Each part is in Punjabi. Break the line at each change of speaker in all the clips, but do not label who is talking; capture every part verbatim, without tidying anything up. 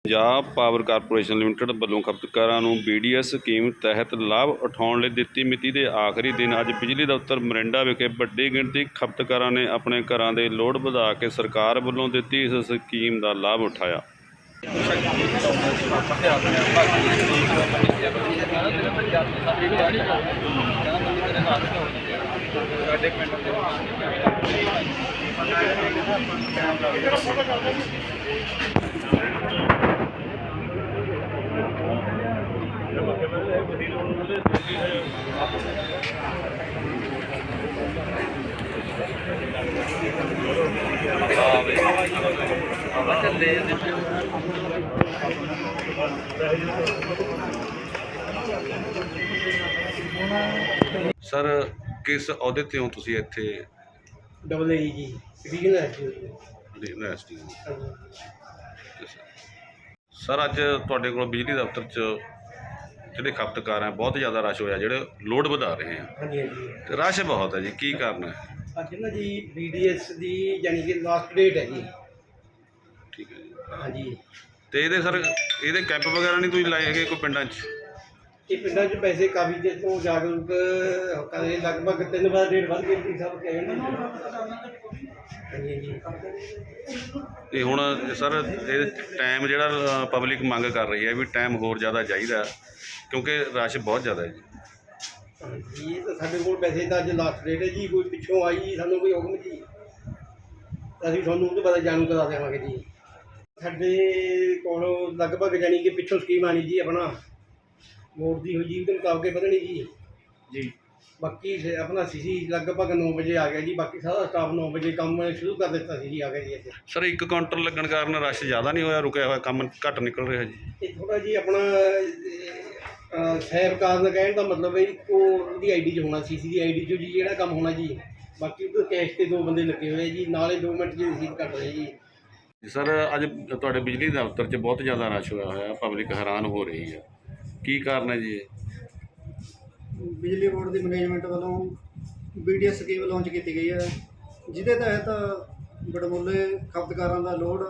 ਪੰਜਾਬ ਪਾਵਰ ਕਾਰਪੋਰੇਸ਼ਨ ਲਿਮਟਿਡ ਵੱਲੋਂ ਖਪਤਕਾਰਾਂ ਨੂੰ ਬੀ ਡੀ ਐਸ ਸਕੀਮ ਤਹਿਤ ਲਾਭ ਉਠਾਉਣ ਲਈ ਦਿੱਤੀ ਮਿਤੀ ਦੇ ਆਖਰੀ ਦਿਨ ਅੱਜ ਬਿਜਲੀ ਦਫ਼ਤਰ ਮੋਰਿੰਡਾ ਵਿਖੇ ਵੱਡੀ ਗਿਣਤੀ ਖਪਤਕਾਰਾਂ ਨੇ ਆਪਣੇ ਘਰਾਂ ਦੇ ਲੋਡ ਵਧਾ ਕੇ ਸਰਕਾਰ ਵੱਲੋਂ ਦਿੱਤੀ ਇਸ ਸਕੀਮ ਦਾ ਲਾਭ ਉਠਾਇਆ। सर किस अहुदे ते हो तुसीं इत्थे?
Double A G regional S D.
Sir अज तुहाडे कोल बिजली दफ्तर च ਜਿਹੜੇ ਖਪਤਕਾਰ ਹੈ ਬਹੁਤ ਜ਼ਿਆਦਾ ਰਸ਼ ਹੋਇਆ, ਜਿਹੜੇ ਲੋਡ ਵਧਾ ਰਹੇ ਆ।
ਹਾਂਜੀ ਹਾਂਜੀ
ਤੇ ਰਸ਼ ਬਹੁਤ ਹੈ ਜੀ, ਕੀ ਕਾਰਨ ਹੈ?
ਅੱਜ ਨਾ ਜੀ ਬੀ ਡੀ ਐਸ ਦੀ ਯਾਨੀ ਕਿ ਲਾਸਟ ਡੇਟ ਹੈ ਜੀ।
ਠੀਕ ਹੈ ਜੀ।
ਹਾਂਜੀ
ਤੇ ਇਹਦੇ ਸਰ ਇਹਦੇ ਕੈਂਪ ਵਗੈਰਾ ਨਹੀਂ ਤੁਸੀਂ ਲਾਏ ਹੈਗੇ ਕੋਈ ਪਿੰਡਾਂ 'ਚ?
ਇਹ ਪਿੰਡਾਂ 'ਚ ਪੈਸੇ ਕਾਫੀ ਦੇਰ ਤੋਂ ਜਾਗਰੂਕ ਕਰਦੇ, ਲਗਭਗ ਤਿੰਨ ਵਾਰ ਡੇਟ ਵੱਧ ਗਈ ਸਭ ਕਹੇ ਨਾ। ਹਾਂਜੀ ਹਾਂਜੀ
ਤੇ ਹੁਣ ਸਰ ਇਹ ਟਾਈਮ ਜਿਹੜਾ ਪਬਲਿਕ ਮੰਗ ਕਰ ਰਹੀ ਹੈ ਵੀ ਟਾਈਮ ਹੋਰ ਜ਼ਿਆਦਾ ਚਾਹੀਦਾ ਕਿਉਂਕਿ ਰਸ਼ ਬਹੁਤ ਜ਼ਿਆਦਾ ਹੈ ਜੀ।
ਹਾਂਜੀ ਇਹ ਤਾਂ ਸਾਡੇ ਕੋਲ ਪੈਸੇ ਤਾਂ ਅੱਜ ਲਾਸਟ ਡੇਟ ਹੈ ਜੀ। ਕੋਈ ਪਿੱਛੋਂ ਆਈ ਜੀ ਸਾਨੂੰ ਕੋਈ ਹੁਕਮ ਜੀ, ਅਸੀਂ ਤੁਹਾਨੂੰ ਉਹਦੇ ਬਾਰੇ ਜਾਣੂ ਕਰਾ ਦੇਵਾਂਗੇ ਜੀ। ਸਾਡੇ ਕੋਲ ਲਗਭਗ ਜਾਣੀ ਕਿ ਪਿੱਛੋਂ ਸਕੀਮ ਆਣੀ ਜੀ ਆਪਣਾ ਵੋਟ ਦੀ ਹੋਈ ਜੀ, ਉਹਦੇ ਮੁਤਾਬਕ ਵਧਣੀ ਜੀ ਜੀ ਬਾਕੀ ਆਪਣਾ ਸੀ ਸੀ ਲਗਭਗ ਨੌ ਵਜੇ ਆ ਗਿਆ ਜੀ। ਬਾਕੀ ਸਾਰਾ ਸਟਾਫ ਨੌ ਵਜੇ ਕੰਮ ਸ਼ੁਰੂ ਕਰ ਦਿੱਤਾ ਸੀ ਜੀ, ਆ ਗਿਆ ਜੀ ਇੱਥੇ।
ਸਰ ਇੱਕ ਕਾਊਂਟਰ ਲੱਗਣ ਕਾਰਨ ਰਸ਼ ਜ਼ਿਆਦਾ ਨਹੀਂ ਹੋਇਆ, ਰੁਕਿਆ ਹੋਇਆ ਕੰਮ ਘੱਟ ਨਿਕਲ ਰਿਹਾ ਜੀ?
ਇਹ ਥੋੜ੍ਹਾ ਜੀ ਆਪਣਾ ਸਾਹਿਬ ਕਾਰਨ ਕਹਿਣ ਦਾ ਮਤਲਬ ਹੈ ਉਹ ਉਹਦੀ ਆਈ ਡੀ 'ਚ ਹੋਣਾ, ਸੀ ਸੀ ਦੀ ਆਈ ਡੀ 'ਚ ਜੀ ਜਿਹੜਾ ਕੰਮ ਹੋਣਾ ਜੀ। ਬਾਕੀ ਉਹ ਕੈਸ਼ 'ਤੇ ਦੋ ਬੰਦੇ ਲੱਗੇ ਹੋਏ ਜੀ, ਨਾਲੇ ਦੋ ਮਿੰਟ 'ਚ ਰਸੀਦ ਕੱਟ ਰਹੇ ਜੀ।
ਸਰ ਅੱਜ ਤੁਹਾਡੇ ਬਿਜਲੀ ਦਫ਼ਤਰ 'ਚ ਬਹੁਤ ਜ਼ਿਆਦਾ ਰਸ਼ ਹੋਇਆ ਹੋਇਆ, ਪਬਲਿਕ ਹੈਰਾਨ ਹੋ ਰਹੀ ਹੈ, ਕੀ ਕਾਰਨ ਹੈ ਜੀ?
ਬਿਜਲੀ ਬੋਰਡ ਦੀ ਮੈਨੇਜਮੈਂਟ ਵੱਲੋਂ B D S scheme launch ਕੀਤੀ ਗਈ ਹੈ, ਜਿਹਦੇ ਤਹਿਤ ਵਡਮੁੱਲੇ ਖਪਤਕਾਰਾਂ ਦਾ ਲੋਡ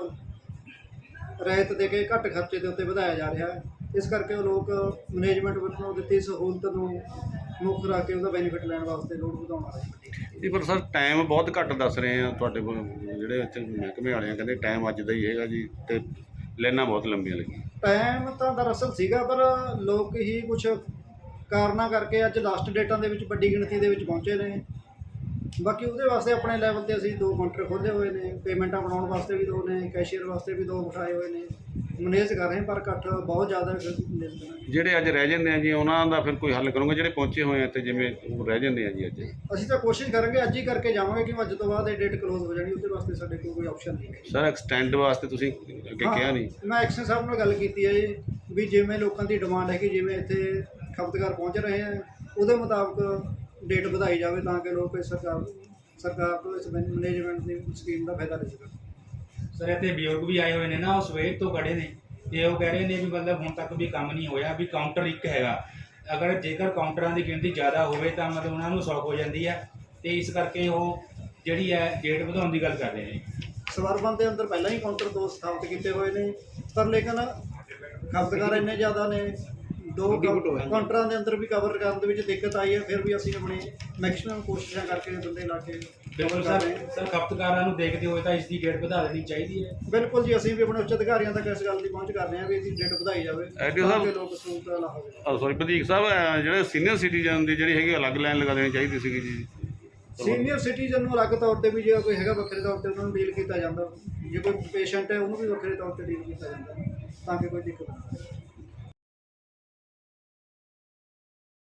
ਰਹਿਤ ਦੇ ਕੇ ਘੱਟ ਖਰਚੇ ਦੇ ਉੱਤੇ ਵਧਾਇਆ ਜਾ ਰਿਹਾ ਹੈ। ਇਸ ਕਰਕੇ ਉਹ ਲੋਕ ਮੈਨੇਜਮੈਂਟ ਵੱਲੋਂ ਦਿੱਤੀ ਸਹੂਲਤ ਨੂੰ ਮੁੱਖ ਰੱਖ ਕੇ ਉਹਦਾ ਬੈਨੀਫਿਟ ਲੈਣ ਵਾਸਤੇ ਲੋਡ ਵਧਾਉਣ ਆ ਰਹੇ।
ਜੀ ਪਰ ਸਰ ਟਾਈਮ ਬਹੁਤ ਘੱਟ ਦੱਸ ਰਹੇ ਆ ਤੁਹਾਡੇ ਕੋਲ, ਜਿਹੜੇ ਇੱਥੇ ਮਹਿਕਮੇ ਵਾਲੇ ਆ ਕਹਿੰਦੇ ਟਾਈਮ ਅੱਜ ਦਾ ਹੀ ਹੈਗਾ ਜੀ, ਤੇ ਲਾਈਨਾਂ ਬਹੁਤ ਲੰਬੀਆਂ ਲੱਗੀਆਂ।
ਟਾਈਮ ਤਾਂ ਦਰਅਸਲ ਸੀਗਾ, ਪਰ ਲੋਕ ਹੀ ਕੁਛ ਕਾਰਨਾਂ ਕਰਕੇ ਅੱਜ ਲਾਸਟ ਡੇਟਾਂ ਦੇ ਵਿੱਚ ਵੱਡੀ ਗਿਣਤੀ ਦੇ ਵਿੱਚ ਪਹੁੰਚੇ ਨੇ। ਬਾਕੀ ਉਹਦੇ ਵਾਸਤੇ ਆਪਣੇ ਲੈਵਲ 'ਤੇ ਅਸੀਂ ਦੋ ਕਾਊਂਟਰ ਖੋਲ੍ਹੇ ਹੋਏ ਨੇ, ਪੇਮੈਂਟਾਂ ਬਣਾਉਣ ਵਾਸਤੇ ਵੀ ਦੋ ਨੇ, ਕੈਸ਼ੀਅਰ ਵਾਸਤੇ ਵੀ ਦੋ ਬਿਠਾਏ ਹੋਏ ਨੇ, ਮੈਨੇਜ ਕਰ ਰਹੇ, ਪਰ ਇਕੱਠ ਬਹੁਤ ਜ਼ਿਆਦਾ।
ਜਿਹੜੇ ਅੱਜ ਰਹਿ ਜਾਂਦੇ ਆ ਜੀ ਉਹਨਾਂ ਦਾ ਫਿਰ ਕੋਈ ਹੱਲ ਕਰੋਗੇ? ਜਿਹੜੇ ਪਹੁੰਚੇ ਹੋਏ ਆ ਤੇ ਜਿਵੇਂ ਉਹ ਰਹਿ ਜਾਂਦੇ ਆ ਜੀ ਅੱਜ?
ਅਸੀਂ ਤਾਂ ਕੋਸ਼ਿਸ਼ ਕਰਾਂਗੇ, ਅੱਜ ਹੀ ਕਰਕੇ ਜਾਵਾਂਗੇ ਕਿ ਅੱਜ ਤੋਂ ਬਾਅਦ ਇਹ ਡੇਟ ਕਲੋਜ਼ ਹੋ ਜਾਣੀ। ਉਹਦੇ ਵਾਸਤੇ ਸਾਡੇ ਕੋਲ ਕੋਈ ਆਪਸ਼ਨ ਨਹੀਂ ਹੈ।
ਸਰ ਐਕਸਟੈਂਡ ਵਾਸਤੇ ਤੁਸੀਂ ਅੱਗੇ ਕਿਹਾ ਨਹੀਂ?
ਮੈਂ ਐਕਸ਼ਨ ਸਾਹਿਬ ਨਾਲ ਗੱਲ ਕੀਤੀ ਹੈ ਜੀ, ਵੀ ਜਿਵੇਂ ਲੋਕਾਂ ਦੀ ਡਿਮਾਂਡ ਹੈ ਕਿ ਜਿਵੇਂ ਇੱਥੇ ਖਪਤਕਾਰ ਪਹੁੰਚ ਰਹੇ ਆ ਉਹਦੇ ਮੁਤਾਬਕ ਡੇਟ ਵਧਾਈ ਜਾਵੇ ਤਾਂ ਕਿ ਲੋਕ ਇਸ ਸਰਕਾਰ ਸਰਕਾਰ ਤੋਂ ਇਸ ਮੈਨੇਜਮੈਂਟ ਦੀ ਸਕੀਮ ਦਾ ਫਾਇਦਾ ਲੈ ਸਕਣ।
ਸਰ ਇੱਥੇ ਬਜ਼ੁਰਗ ਵੀ ਆਏ ਹੋਏ ਨੇ ਨਾ, ਉਹ ਸਵੇਰ ਤੋਂ ਖੜੇ ਨੇ ਤੇ ਉਹ ਕਹਿ ਰਹੇ ਨੇ ਵੀ ਮਤਲਬ ਹੁਣ ਤੱਕ ਵੀ ਕੰਮ ਨਹੀਂ ਹੋਇਆ, ਵੀ ਕਾਊਂਟਰ ਇੱਕ ਹੈਗਾ। ਅਗਰ ਜੇਕਰ ਕਾਊਂਟਰਾਂ ਦੀ ਗਿਣਤੀ ਜ਼ਿਆਦਾ ਹੋਵੇ ਤਾਂ ਮਤਲਬ ਉਹਨਾਂ ਨੂੰ ਸੌਖ ਹੋ ਜਾਂਦੀ ਹੈ, ਤੇ ਇਸ ਕਰਕੇ ਉਹ ਜਿਹੜੀ ਹੈ ਡੇਟ ਵਧਾਉਣ ਦੀ ਗੱਲ ਕਰ ਰਹੇ ਨੇ।
ਸਵਰਬੰਦ ਦੇ ਅੰਦਰ ਪਹਿਲਾਂ ਹੀ ਕਾਊਂਟਰ ਦੋ ਸਥਾਪਿਤ ਕੀਤੇ ਹੋਏ ਨੇ, ਪਰ ਲੇਕਿਨ ਖਪਤਕਾਰ ਇੰਨੇ ਜ਼ਿਆਦਾ ਨੇ, ਦੋ ਕਾਊਂਟਰਾਂ ਦੇ ਅੰਦਰ ਵੀ ਕਵਰ ਕਰਨ ਦੇ ਵਿੱਚ ਦਿੱਕਤ ਆਈ ਹੈ। ਫਿਰ ਵੀ ਅਸੀਂ ਆਪਣੀ ਮੈਕਸਿਮਮ ਕੋਸ਼ਿਸ਼ਾਂ ਕਰਕੇ ਬੰਦੇ ਲਾ ਕੇ
ਬਿਲਕੁਲ ਸਰ ਸਰ ਖਪਤਕਾਰਾਂ ਨੂੰ ਦੇਖਦੇ ਹੋਏ ਤਾਂ ਇਸ ਦੀ ਡੇਟ ਵਧਾ ਦੇਣੀ ਚਾਹੀਦੀ ਹੈ।
ਬਿਲਕੁਲ ਜੀ, ਅਸੀਂ ਵੀ ਆਪਣੇ ਉੱਚ ਅਧਿਕਾਰੀਆਂ ਤੱਕ ਇਸ ਗੱਲ ਦੀ ਪਹੁੰਚ ਕਰ ਰਹੇ ਹਾਂ ਵੀ ਇਹਦੀ ਡੇਟ ਵਧਾਈ ਜਾਵੇ ਤਾਂ ਕਿ ਲੋਕ ਸਹੂਲਤ ਲਾ ਹੋਵੇ।
ਸੌਰੀ ਵਧੀਕ ਸਾਹਿਬ, ਜਿਹੜੇ ਸੀਨੀਅਰ ਸਿਟੀਜ਼ਨ ਦੀ ਜਿਹੜੀ ਹੈਗੀ ਅਲੱਗ ਲਾਈਨ ਲਗਾ ਦੇਣੀ ਚਾਹੀਦੀ ਸੀਗੀ ਜੀ।
ਸੀਨੀਅਰ ਸਿਟੀਜ਼ਨ ਨੂੰ ਅਲੱਗ ਤੌਰ 'ਤੇ ਵੀ ਜੇ ਕੋਈ ਹੈਗਾ ਵੱਖਰੇ ਤੌਰ 'ਤੇ ਉਹਨਾਂ ਨੂੰ ਡੀਲ ਕੀਤਾ ਜਾਂਦਾ, ਜੇ ਕੋਈ ਪੇਸ਼ੈਂਟ ਹੈ ਉਹਨੂੰ ਵੀ ਵੱਖਰੇ ਤੌਰ 'ਤੇ ਡੀਲ ਕੀਤਾ ਜਾਂਦਾ ਤਾਂ ਕਿ ਕੋਈ ਦਿੱਕਤ ਨਾ ਆਵੇ।